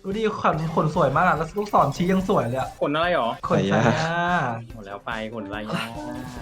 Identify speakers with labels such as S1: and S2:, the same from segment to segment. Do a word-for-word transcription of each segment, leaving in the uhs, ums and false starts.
S1: ดูดิขนขนสวยมากอะแล้วลูกศรชี้ยังสวยเลยอะ
S2: ขนอะไรหรอ
S1: ขนสายา
S2: หมดแล้วไปขนอะไรเนาะ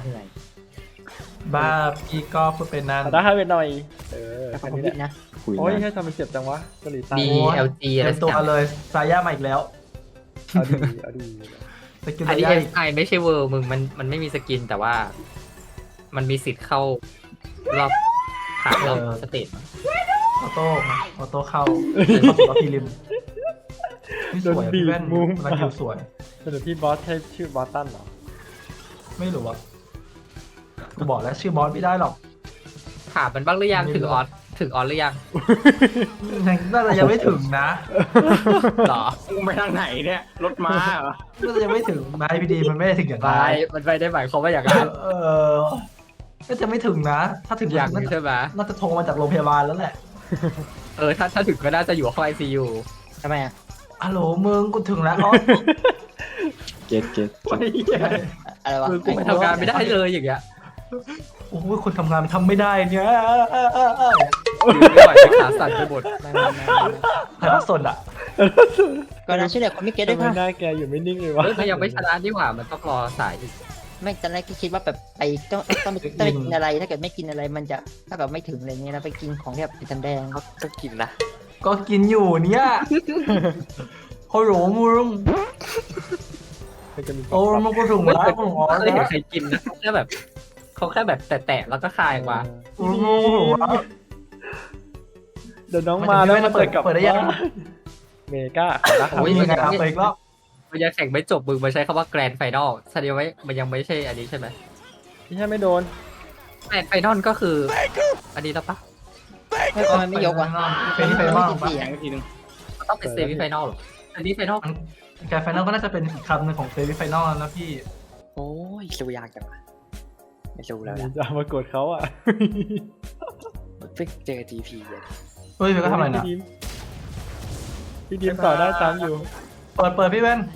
S1: บ้าพี่ก็พูดเป็นนั่น
S3: ได้ให้ไปหน่อยเออ
S4: แต่ข
S3: แค่
S4: องผม
S3: นี้แห
S4: ผิด
S3: ละ
S4: นะ
S5: คุย
S3: โอ้ย
S5: นะ
S3: แค่ทำมันเจ็บจังวะเกาหลีใต้
S6: ดี
S1: โอ้ย
S6: แอล จี อะไร
S1: เต็ม
S6: สัก
S1: ตัว
S6: อย่าง
S1: เลยซาย่ามาอีกแล้ว
S3: เอาดีเอาดี
S1: สกิล
S6: อัน
S1: ซา
S6: นี้
S1: ย่า
S6: เอ
S1: อีก
S6: ไอไม่ใช่เวอร์มึงมันมันไม่มีสกินแต่ว่า มันมีสิทธิ์เข้ารอบผ่านรอบสเตจ
S1: ออโต้ออโต้เข้าเข้าสู่รอบพรีลิมนี่สวยอะพี่แว่นมันคิวสวย
S3: สรุปพี่บอสใช่ชื่อบอสตันเหรอ
S1: ไม่รู้อะกูบอกแล้วชื่อบอสไม่ได้หรอก
S6: ถามมันบ้างหรือยังถึงออสถึงออสหรือยัง
S1: ยังน่าจะยังไม่ถึงนะ
S6: หรอ
S2: มึงไปทางไหนเนี่ยรถม้าเหรอ
S1: น่าจะยังไม่ถึงนายพีดีมันไม่ได้ถึงอย่าง
S6: ไป
S1: ไร
S6: มันไปได้หมายความว่าอย่างนั้น
S1: เออน่าจะไม่ถึงนะ ถ้าถึง
S6: อย่าง
S1: น่าจะ
S6: ใช่ไหม
S1: น่าจะโทรมาจากโรงพยาบาลแล้วแหละ
S6: เออถ้าถ้าถึงก็น่าจะอยู่ห้องไอซียู
S4: ทำไมอ่ะ
S1: ฮัลโหลมึงกูถึงแล้วอ๋อ
S5: เก็ตเก็ต
S2: ไอ้เหี้ย
S4: อะไรวะ
S6: คือกูไปทำงานไม่ได้เลยอย่างเงี้ย
S1: โอ้ยคนทำงานมันทำไม่ได้เนี่ย
S6: อยู่ไม่ไหวจะขาสั่นไปหมด
S4: ไม่ไม่ไม่ไม่
S1: ใครพักสนอ่ะ
S4: ก่อนนะชื่อเด็กคนไม่เก็ตด้วย
S3: ทำไม
S4: ค่ะ
S3: หน้าแกอยู่ไม่นิ่งเลยวะ
S6: เฮ้ยมันยังไม่ชนะดีกว่ามันต้องรอสายอีก
S4: ไม่ตอนแรกก็คิดว่าแบบไปต้องต้องไปต้องไปกินอะไร ถ้าเกิดไม่กินอะไรมันจะถ้าเกิดไม่ถึงอะไรเงี้ยแล้วไปกินของที่แบบเป็นแดง
S6: ต้องกินนะ
S1: ก็กินอยู่เนี่ยฮัลโหลมึง
S3: มันจะมี
S1: โอ้มึงกูถึง
S6: ไม่
S1: แล้ว
S6: เคย
S1: มึงอ๋อ
S6: ไม่เคย
S1: เนี่ย
S6: เห็นใครกินนะแค่แบบเขาแค่แบบแตะๆแล้วก็คายออกมา
S1: มึงกูถึงแล้ว
S3: เดี๋ยวน้องมาแล้วมันจะกลับ
S1: เปิดได้ยัง
S3: บ้านเมกานะครั
S6: โอ้
S3: บ
S6: ย
S1: มีงานไปอีกรอบ
S6: มันยังแข่งไม่จบมึงมาใช้คำว่าแกรนด์ไฟนอลแสดงว่ามันยังไม่ใช่อันนี้ใช่ไหม
S3: พี่แค่ไม่โดน
S6: แกรนด์ไฟนอลก็คือ อันนี้แล้วปะ
S4: ๆไม่ทำไมไม่ยกวะ
S1: เป็นที่ไฟนอล
S4: ไม่
S1: ปะ
S4: ติด
S2: แข่
S4: เสีย
S2: ง
S4: ง
S2: อีกทีนึง
S6: ต้องเป็นเซมิไฟนอลหรออันนี้ไฟนอล
S1: แกไฟนอลก็น่าจะเป็นอีกคำหนึ่งของเซมิไฟนอลแล้วนะพี่
S5: โอ้ยสู้ยากจังวะไม่สู้แล้วนะ
S3: จะมากดเขาอ่ะ
S5: เพิ่งเจอทีพีเลย
S1: เฮ้ยเฟยก็ทำอะไรนะ
S3: พี่ดิมพี่ดิมต่อได้ตามอยู่
S1: เปิดเปิดพี่แว่น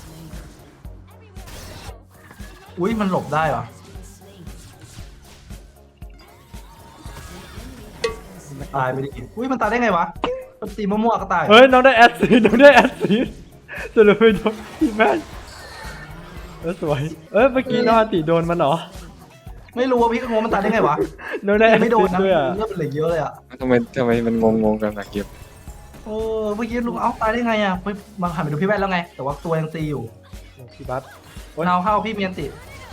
S1: อุ้ยมันหลบได้เหรอตายไปดิอุ้ยมันตายได้ไงวะมันตีมั่วๆก็ตาย
S3: เฮ้ยน้องได้แอดซีน้องได้แอดซีสรุปไปโดนพี่แม่นเออสวย เอ้ยเมื่อกี้น้องอาติโดนมันเหรอ
S1: ไม่รู้ว่าพี่ก็งงมันตายได้ไงวะ
S3: น้องได้แอด
S1: ไม่โด
S3: ซี
S1: นนะ
S3: ด้วยอ่ะ
S1: เลือดเป็นเหลือเยอะเลยอ่ะ
S5: ทำไมทำไมมันงงงๆกันนะเก็บ
S1: เออเมื่อกี้ลุงเอ้าตายได้ไงอ่ะไปมาหันไปดูพี่แว่นแล้วไง แต่ว่าตัวยังตีอยู่
S3: พี่บัส
S1: เนาเข้าพี่เมียนติ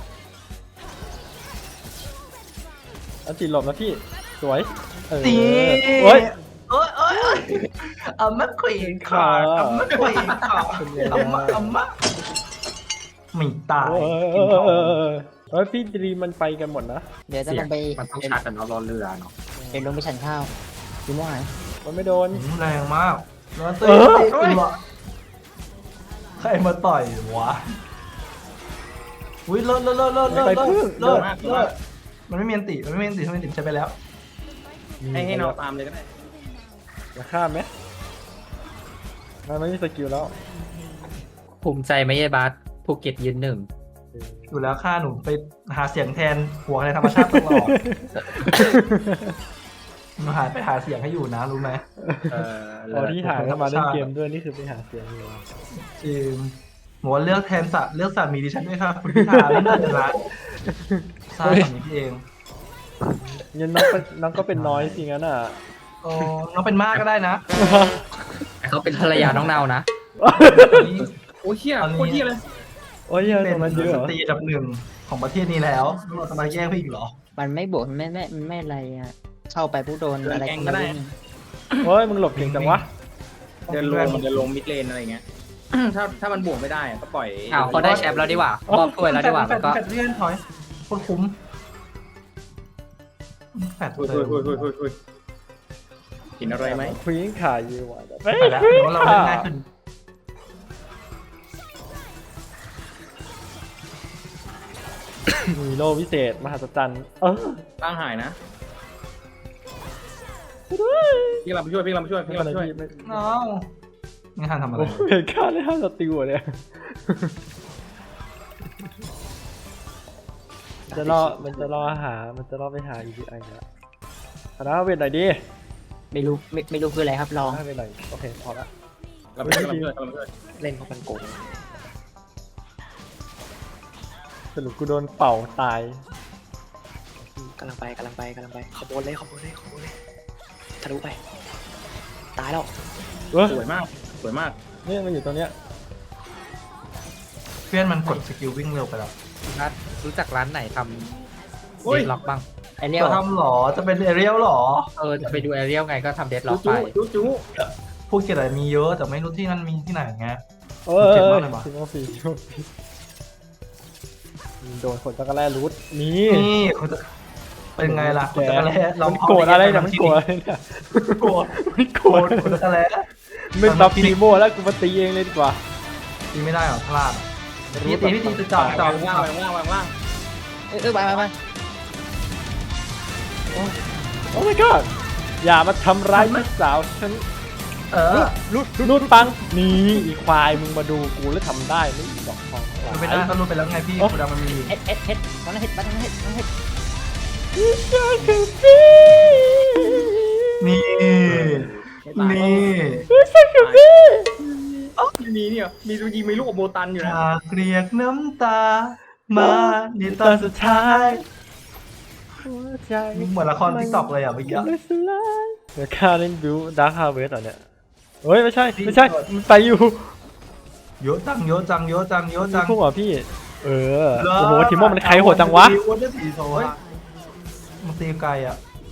S3: อันติหลบนะพี่สวยเออ
S1: ตี
S3: โอ้ย
S1: เอ้ยเอ้ยเอ้ยอ่ะมะขวีนขาดอ่ะมะขวีนขาดอ่ะมะอ่ะมะไม่ตาย
S3: เออเอ
S1: กิน
S3: อ
S1: ของ
S3: เออเออเฮ้ยพี่ดรีมมันไปกันหมดนะ
S4: เดี๋ยวจะ
S6: เสี
S4: ล
S6: ยง
S4: งไป
S6: มันต้องชาร์จกับน้องรอเรือเนาะ
S4: เดี๋ยวลงไปฉันข้าวกินว่าไง
S3: มันไม่โดน
S1: อืมแรงมากแล้วตี
S3: เออ
S1: ตีตัวใครมาต่อยวะอุ้ยเลิศเลิศเลิศเลิศเลิศ
S3: ไป
S1: เลิ
S3: พึ่ง
S1: ศเลิศเลิศมันไม่เมียนติมันไม่เมียนติมันไม่เมียนติใช้ไปแล้ว
S2: ให้ให้เราตามเลยก็ได้
S3: จะข้ามไหมมันไม่มีสกิลแล้ว
S6: ภูมิใจไหมเยบัสภูเก็ตยืนหนึ่ง
S1: อยู่แล้วค่าหนูไปหาเสียงแทนหัวในธรรมชาติตลอดหนูหาไปหาเสียงให้อยู่นะรู้ไหม
S6: เออ
S3: ตอนที่หาเข้ามาเล่นเกมด้วยนี่คือไปหาเสียงอยู่
S1: จริงหนูว่าเลือกแทนสัตว์เลือกสัตว์มีดิฉันด้วยค่ะคุณพิธาเล่นเดือนละใช่แบบนี้พี่เอง
S3: งั้นน้องเป็นน้องก็เป็นน้อยสิงั้นอ่ะ
S1: โอ้น้องเป็นมากก็ได้นะ
S6: แต่เขาเป็นภรรยาน้องเนานะ
S1: นี่
S2: โอ้ยเหี้ย
S1: ตอนนี้
S2: โคตรเหี้ยเลย
S3: โอ้ยเยอะ
S1: เป็
S3: ตรงนั้นเยอะ
S1: น
S3: เห
S1: ส
S3: รอ
S1: ตรีอันดับหนึ่งของประเทศนี้แล้วเราจะมาแย่งพี่อีกเหรอ
S4: มันไม่บวกมันไม่ไม่มันไม่อะไรอ่ะเข้าไปผู้โดนอะไรกันไม่รู้
S3: โอ้ยมึงหลบเก่งจังวะ
S2: เดินลงมันเดินลงมิดเลนอะไรเงี้ย ถ้าถ้ามันบวกไม่ได้อะก็ปล่อย
S6: อ้าวเขาได้แชมป์แล้วดีกว่ามอบถ้วยแล้วดีกว่า
S1: แฟ
S6: แล้วก็
S1: แฟดเลื่อนถอยโคตรคุ้มแฟด
S2: คุย
S1: เติ
S2: คุย
S1: ม
S2: คุยคุยคุยคุยกินอะไรไหม
S3: ควีนขาอยู่ว่ะ
S1: ไปแล้วเดี๋ยวเราเล่นง่ายขึ้น
S3: มีโลวิเศษมหัศจรรย์เออ
S2: ร่างหายนะพี่เราไปช่วยพี่เราไปช่วย
S3: ไม่
S2: พี่
S3: เป็น
S2: เรา
S3: ไร
S2: ไปช่วย
S3: พี่ไม่
S1: น้องไม่ทันทำอะไร
S3: โอ้เห็นค่าได้ห้าสติวอะเนี่ยจะรอมันจะรอหามันจะรอไปหาอีพีไอแล้วคณะเวทไหนอยดิ
S4: ไม่รู้ไม่ไม่รู้คืออะไรครับลอง
S3: ให้ไปหน่อยโอเคพอละ
S2: กำลังเพื่อนกำลังเพื่อนกำลังเพื่อน
S5: เล่นเพราะมันโกง
S3: สรุปกูโดนเป่าตาย
S5: กำลังไปกำลังไปกำลังไปขบวนเลยขบวนเลยขบวนเลยทะลุไป ตายแล้ว
S3: เว้ย
S2: สวยมากสวยมาก
S3: เนี่ยมันอยู่ตรงเนี้ย
S1: เพื่อนมันกดสกิลวิ่งเร็วไปแล้ว
S6: นัดรู้จักร้านไหนทำเดดล็อกบ้าง
S4: ไอเรียก
S1: จะทำหรอจะเป็นเอเรียลหรอ
S6: เออจะไปดูแอเรียลไงก็ทำเดดล็อกไป
S2: จุ๊จุ๊
S1: พวกเกียรติมีเยอะแต่ไม่รู้ที่นั่นมีที่ไหนไง
S3: เออ
S1: เจ็บมากเลยว่ะ
S3: ชิโมฟีชิโมฟีโดนคนตะกะแร่รูทนี่
S1: นี่เขาจะเป็นไงล่ะคนตะกะแล้
S3: มันโกรธอะไรเนี่ยมันโกรธอะไรเนี่ย
S1: โกรธ
S3: มันโก
S1: โก
S3: ร
S1: ร
S3: ธ
S1: ธคนตะกะแล้
S3: ไม่ตับฟีโมแล้วกูมาตีเองเลยดีกว่า
S1: ตีไม่ได้หรอพลาดพี่ตีพี่ตีจะจอดจอ
S2: วา
S1: ด
S2: งว่างวางว่างวางว่าง
S4: เออเออไปไปไป
S3: โอ้ my god อย่ามาทำร้ายลูกสาวฉัน
S1: เออ
S3: รูดรูดปังนี่อีควายมึงมาดูกูแล้วทำได้ไม่อีดอกทองทั้งหลาย
S1: ไม่ได้ก็รู้ไปแล้วไงพี่กูดังมันมี
S4: เฮ็ดเฮ็ดเฮ็ดตอนนั้นเฮ็ดตอนนั้นเฮ็ดตอนนั้นเฮ็ด
S1: นี่นี่
S2: มีเนี่ยมีดูยิงมีลูกโบตันอยู่นะ
S1: หากเรียกน้ำตา มาในตอนสุดท้าย
S3: หัวใจ
S1: มึงเหมือนละครติ๊กต็อกเลยอ่ะเมื่อกี้
S3: ไม่สลายเดี๋ยวข้าเล่นบิวดาร์คฮาร์เวสต์เหรอเนี่ยเฮ้ยไม่ใช่ไม่ใช่มันไปอยู่
S1: เยอะจังเยอะจังเยอะจังเยอะจัง
S3: พวกเหรอพี่ เออโอ้โหทีมโมมันใครโหดจังวะ
S1: วันที่สี่โซ่มันตีไกลอ่ะ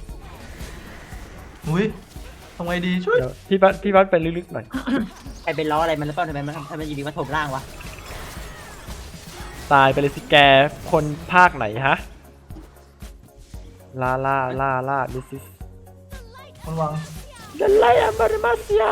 S1: อุ้ยทำไงดีช่วย
S3: เดี๋ยวพี่บัสพี่บัสไปลึกๆหน่อย
S4: ใครเป็นล้ออะไรมันหรือเปล่าทำไมมันทำไมอยู่ดีมาถมร่างวะ
S3: ตายไปเลยสิแกคนภาคไหนฮะลาลาลาลาดิซิส
S1: มันวาง
S3: เดลไลอามาริมาเซีย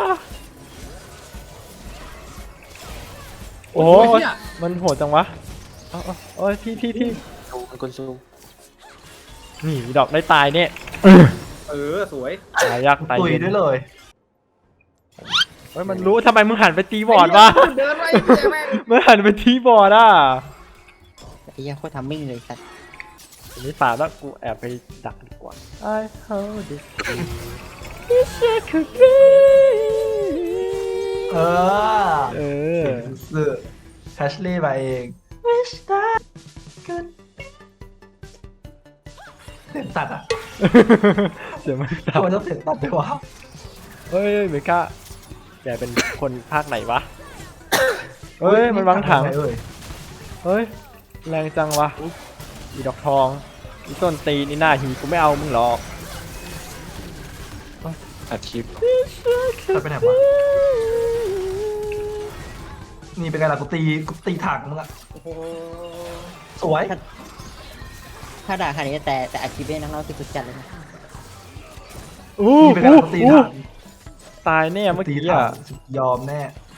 S3: โอ้โหมันโหดจังวะเอาเอาโอ้ยพี่พี่พี่
S5: ซูมันคนซู
S3: นี่ดอกได้ตายเนี่ย
S2: เออสวย
S3: ตายยากตาย
S1: ตุย
S3: เย็น
S1: ด้วยเลย
S3: เฮ้ยมันรู้ทำไมมึงหันไปตีบอร์ดวะ
S2: เดินไปแม่ง
S3: มึงหันไปตีบอร์ดอ่ะ
S4: ไอ้เหี้ยโคตรทำมิ่งเลยสัตว์
S3: อันนี้ป่าแล้วกูแอบไปดักดีกว่า I hold this Wish I could be
S1: เออ
S3: เออ
S1: สื่อแฮชลี่มาเอง Wish that could be เสียงตัดอ่ะ
S3: เสียงมัน
S1: ทำ
S3: ตับ
S1: ไมต้องเสียงตัดด้วยวะ
S3: เฮ้ยเมกาแกเป็นคนภาคไหนวะ เฮ้ยมันวางถัง
S1: เอ้ย
S3: เฮ้ยแรงจังวะอีดอกทองอีต้นตีนอีหน้าหีกูไม่เอามึงหรอก
S5: อาชีพ
S1: ตัดไปไหนวะนี่เป็นไงล่ะกูตีกูตีถังมึงอะสวย
S4: ถ้าด่าขนาดนี้แต่แต่อาชีพเนี่ยน้องๆสุดๆจัดเลยนะ
S3: อู้
S1: นี่เป็นไง
S3: อู้
S1: ล่ะกูตี
S3: อู้
S1: ถัง
S3: ตายแน่เมื่อ
S1: ตี
S3: กี้
S1: ถั
S3: อ่ะ
S1: งยอมแน่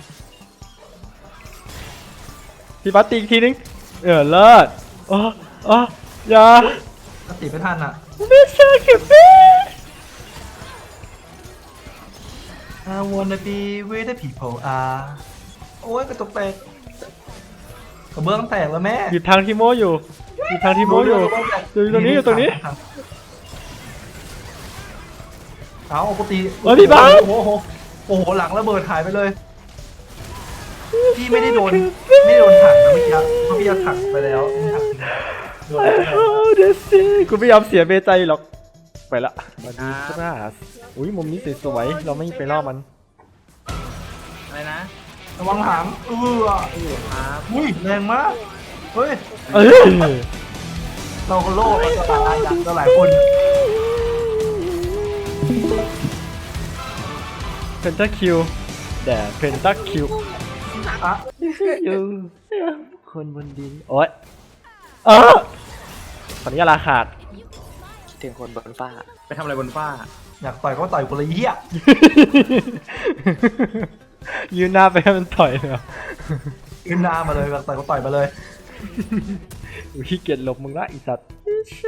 S3: พี่บัสตีอีกทีนึงเออเลิศอ๋ออ๋ออย่า
S1: ถ้าตีไม่ทันอ่ะ
S3: ไม่ใช่คือพี่
S1: I wanna be where the people are โอ้ยกระจกแตกกระเบื้องแตกแล้วแม่
S3: หยุดทางทีโมอยู่หยุดทางทีโมอยู่ อยู่ตรงนี้อยู่ตรงนี้
S1: เอากูตี
S3: เฮ้ยพี่บ้าส
S1: โอ้โหโอ้โหหลังระเบิดหายไปเลยพี่ไม่ได้โดนไม่ได้โดนถังนะเมื่อกี้เพราะพี่เอาถังไปแล้วนี่ถังโดน
S3: ไอ้
S1: ไปแล้ว
S3: โหเดซี่กูไม่ยอมเสียเบใจหรอกไปละมาดูครับอุ้ยมุมนี้สวยๆเราไม่ไปล่อมัน
S2: อะไรนะ
S1: ระวังหางเออ
S2: ครับ
S1: อุ้ยแรงมากเฮ้ย
S3: เอ้ย
S1: เราก็โลกเราจะตายอย่างเราหลายคน
S3: เพนตาคิวแด่เพนตาคิว
S1: อะ
S3: อยู่คนบนดินโอ๊ยเออตอนนี้ราขาด
S5: คิดถึงคนบนฟ้า
S2: ไปทำอะไรบนฟ้า
S1: อยากต่อยก็ต่อยคนละเหี้ย
S3: ยืนหน้าไปให้มันต่อยเลยเหรอ
S1: ขึ้นหน้ามาเลยอยากต่อยก็ต่อยมาเลย
S3: อุ๊ยขี้เกียจหลบมึงละไอีสัตว์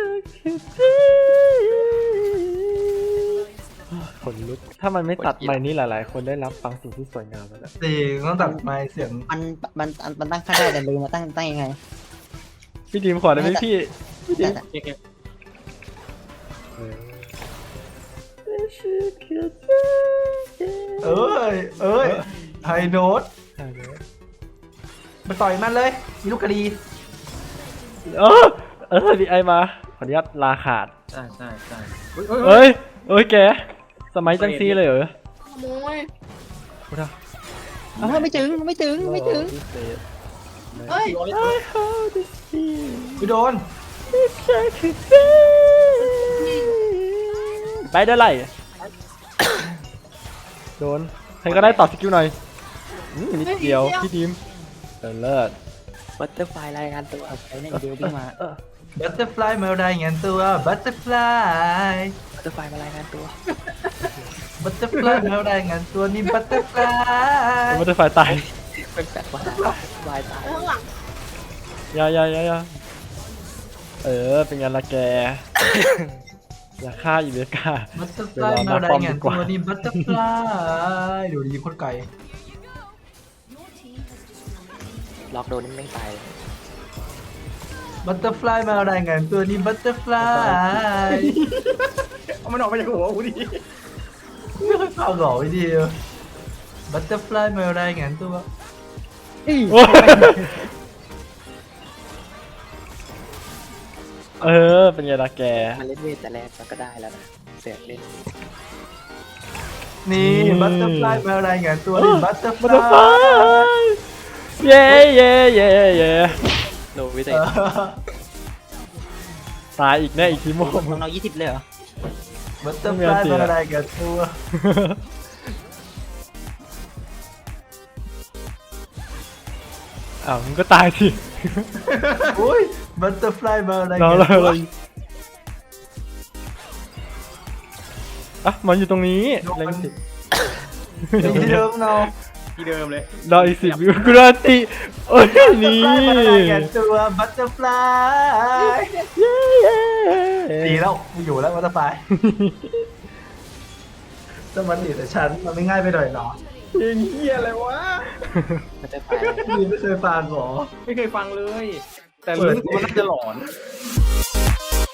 S3: คนลุกถ้ามันไม่ตัดไมค์นี้หลายๆ คนได้รับฟังสิ่งที่สวยงามแล้วแหละ
S1: จริงต้องตัดไมค์เสียง
S4: มันมันมันตั้งค่าได้แต่ลืมมาตั้งตั้งยังไง
S3: พี่ดีมขอได้ไหมพี่พี่ดีม
S2: เก๊ก
S3: เออ
S1: เอ้ยเอ้ย
S3: อ
S1: ไฮโนดไปต่อยมันเลยมีลูกกระดี
S3: เออเออดีไอมาขออนุญาตลาขาด
S2: ใช่ใช่ใช่เฮ้ยเฮ้ยเฮ้ย
S3: เอ้ยเอ้ยแกสมัยจังซีเลยเหรอ
S5: ขโมย
S3: พูดอะ
S4: อ้าวไม่ถึงไม่ถึงไม่ถึง
S5: เฮ้ย
S1: ไปโดน
S3: ไปได้ไรโดนใครก็ได้ต่อสกิลหน่อยอืมนิดเดียวพี่ทีมเออเลิศ
S5: บัตเตอร์ไฟรายงานตัว
S4: ไปเนี่ยเดียววิ่งมา
S1: บัตเตอร์ฟลายมารายงานตัวบัตเตอร์ฟลาย
S5: บัตเตอร์ไฟมารายงานตัว
S1: บัตเตอร์ฟลายมารายงานตัวนี่บัตเตอร์ฟลาย
S3: มันจะไฟตาย
S5: เป็นแฟดวายตายตาย
S7: ข้างหลัง
S3: อยาอยาอยาอยาเออเป็นไงล่ะแก อย่าฆ่าอีเบก้า
S1: บัตเตอร์ฟลายมารายงานตัวนี่บัตเตอร์ฟลายเดี๋ยวดีคนไก่
S5: ล็อกโดนนี่แม่งตาย
S1: บัตเตอร์ฟลายมารายงานตัวนี่บัตเตอร์ฟลาย
S2: เอามันออกมาจากหัวกูดิ
S1: ไม่เคยฟังหรอวิดีบัตเตอร์ฟลายมารายงานตัว
S3: โอ้ยเออเป็นไงล่ะแก
S5: มันเล่นเวทแต่แรกมันก็ได้แล้วนะเสือกเล่น
S1: นี่บัตเตอร์ฟลายมารายงานตัวนี่บัตเตอร์ฟ
S3: มัน
S1: ลา
S3: จะไฟ
S1: ย
S3: เย้เย้เย้เย้
S5: โนวิเศ
S1: เอ
S5: ษ
S1: อ
S3: ตายอีกแน่อีกทีโม่
S4: ของเรายี่สิบเลยเหรอ
S1: บัตเตอร์ฟลายมารายงานตัว
S3: อ้าวมึงก็ตายสิ
S1: อุ้ยบัตเตอร์ฟลายมาราย
S3: เรา
S1: งาน
S3: เรา
S1: ตัว
S3: เราอ่ะมันอยู่ตรงนี้เล็งสิ
S1: อย่างที่เดิมเนาะ
S2: ที่เดิมเลย
S3: รออีกสิบวิวกุราติโอ้ยนี่
S1: บัตเตอร์ฟลายมารายงานตัวบัตเตอร์ฟลาย
S3: เย้เย้
S1: ดีแล้วกูอยู่แล้วบัตเตอร์ฟลายจะมันดีแต่ฉันมันไม่ง่ายไปหน่อยเหรอ
S2: เพลงเฮียอะไรวะ
S5: บัตเตอร์ไฟ
S1: พี่ไม่เคยฟังหรอ
S2: ไม่เคยฟังเลย แต่รู้สึกว่ามันน่าจะหลอน